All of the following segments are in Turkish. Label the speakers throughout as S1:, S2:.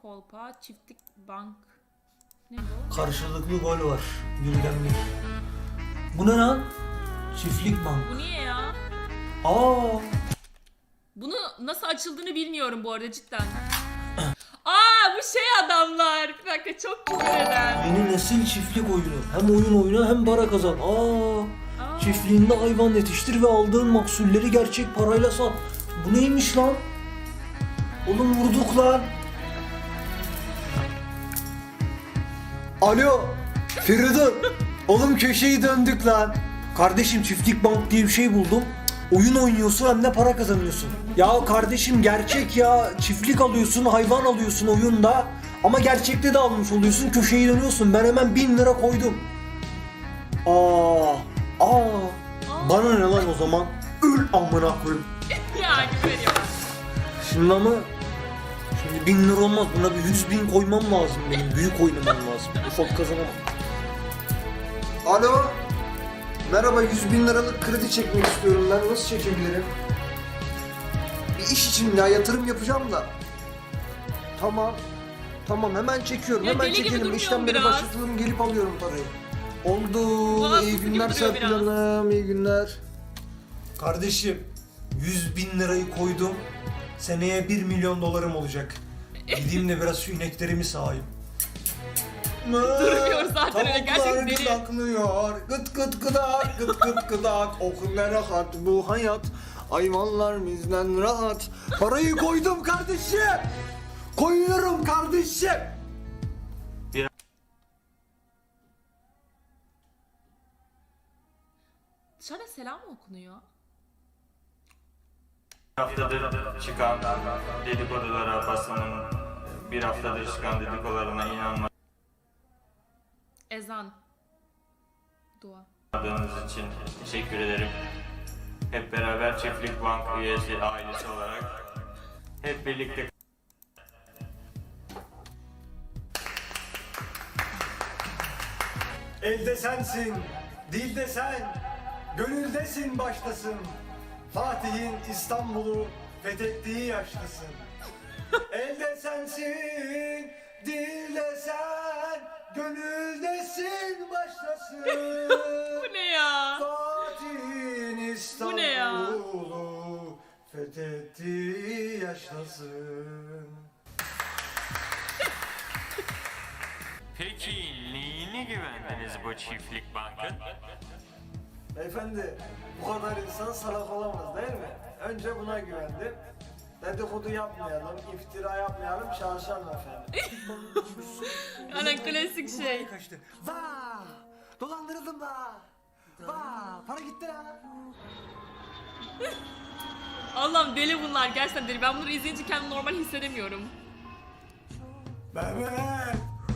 S1: kolpa, çiftlik bank. Ne bu?
S2: Karşılıklı gol var. Birden bir. Bu ne lan? Çiftlik bank.
S1: Bu niye ya?
S2: Aa.
S1: Bunu nasıl açıldığını bilmiyorum bu arada cidden. Aa bu şey adamlar. Bir dakika çok güzel eden.
S2: Yeni nesil çiftlik oyunu. Hem oyun oyna hem para kazan. Çiftliğinde hayvan yetiştir ve aldığın mahsulleri gerçek parayla sat. Bu neymiş lan? Oğlum vurduk lan. Alo. Feridun. Oğlum köşeyi döndük lan. Kardeşim çiftlik bank diye bir şey buldum. Oyun oynuyorsun hem de para kazanıyorsun. Ya kardeşim gerçek ya. Çiftlik alıyorsun, hayvan alıyorsun oyunda. Ama gerçekte de almış oluyorsun, köşeyi dönüyorsun. Ben hemen 1000 lira koydum. Bana ne lan o zaman? Öl amına koyayım.
S1: Yani veriyor.
S2: Şimdi ama 1000 lira olmaz. Buna bir 100.000 koymam lazım benim. Büyük oynamam lazım. Ufak kazanamam. Alo. Merhaba, 100.000 liralık kredi çekmek istiyorum ben. Nasıl çekebilirim? Bir iş için ya, yatırım yapacağım da. Tamam hemen çekiyorum.
S1: Ya
S2: hemen
S1: deli gibi
S2: çekelim.
S1: durmuyor
S2: İşlemleri
S1: biraz.
S2: başlatalım, gelip alıyorum parayı. Oldu.
S1: Valla
S2: İyi
S1: fıstık
S2: günler
S1: gibi duruyor
S2: Serpil
S1: biraz.
S2: Hanım. İyi günler. Kardeşim 100.000 lirayı koydum. Seneye 1 milyon dolarım olacak. Gideyim de biraz şu ineklerimi sağayım.
S1: Durmuyor zaten öyle, gerçekten
S2: Tavuklar
S1: deli.
S2: gıdaklıyor. Gıt gıt gıdak, gıt gıt gıdak. Oh ne rahat bu hayat. Hayvanlar bizden rahat. Parayı koydum kardeşim. Koyuyorum kardeşim.
S1: Dışarıda selam mı okunuyor?
S3: Haftadır çıkan dedikodulara, basının bir haftadır çıkan dedikodularına
S1: Ezan. Dua.
S3: inanmadığınız için teşekkür ederim. Hep beraber Çiftlik Bank üyesi ailesi olarak hep birlikte
S2: Elde sensin, dilde sen, gönüldesin baştasın. Fatih'in İstanbul'u fethettiği yaştasın. Elde sensin, dilde sen, gönüldesin baştasın.
S1: Bu ne ya?
S2: Fatih'in
S1: Bu ne ya?
S2: İstanbul'u fethettiği yaştasın.
S3: Peki neyine güvendiniz bu Çiftlik Bank'ın?
S2: Beyefendi, bu kadar insan salak olamaz değil mi? Önce buna güvendim. Dedikodu yapmayalım, iftira yapmayalım, çalışalım efendim.
S1: Aynen klasik şey.
S2: Kaçtı. Vaa! Dolandırıldım da. Vaa! Para gitti ha.
S1: Allah'ım deli bunlar, gerçekten deli. Ben bunları izleyince kendimi normal hissedemiyorum.
S2: Mehmet!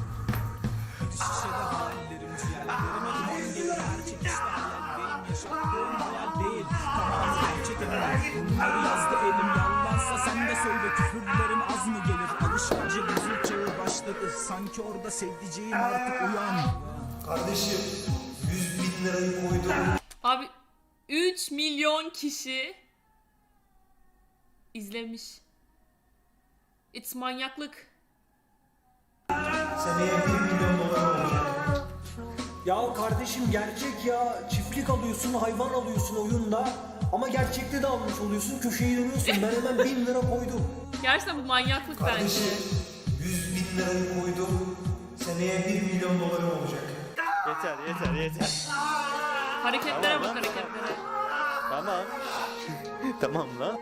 S4: Bunları yazdı elim, yalansa sen de söyle, küfürlerim az mı gelir? Alışverici buzul çağı başladı, sanki orada sevdiceğim artık uyan.
S2: Kardeşim, 100.000 lirayı koydum.
S1: Abi 3 milyon kişi izlemiş. It's manyaklık.
S2: Seneye 1 milyon dolar olacak. Ya kardeşim gerçek ya. Çiftlik alıyorsun, hayvan alıyorsun oyunda. Ama gerçekte de almış oluyorsun, köşeyi dönüyorsun. Ben hemen 1000 lira koydum.
S1: Gerçekten bu manyaklık bence.
S2: Kardeşim 100.000 lirayı koydum. Seneye 1 milyon dolarım olacak.
S5: Yeter.
S1: Hareketlere bak, hareketlere.
S5: Tamam. Tamam lan.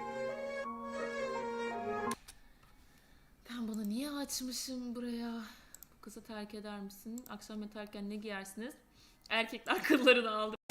S1: Ben bunu niye açmışım buraya? Bu kızı terk eder misin? Akşam yatarken ne giyersiniz? Erkekler kıllarını aldı.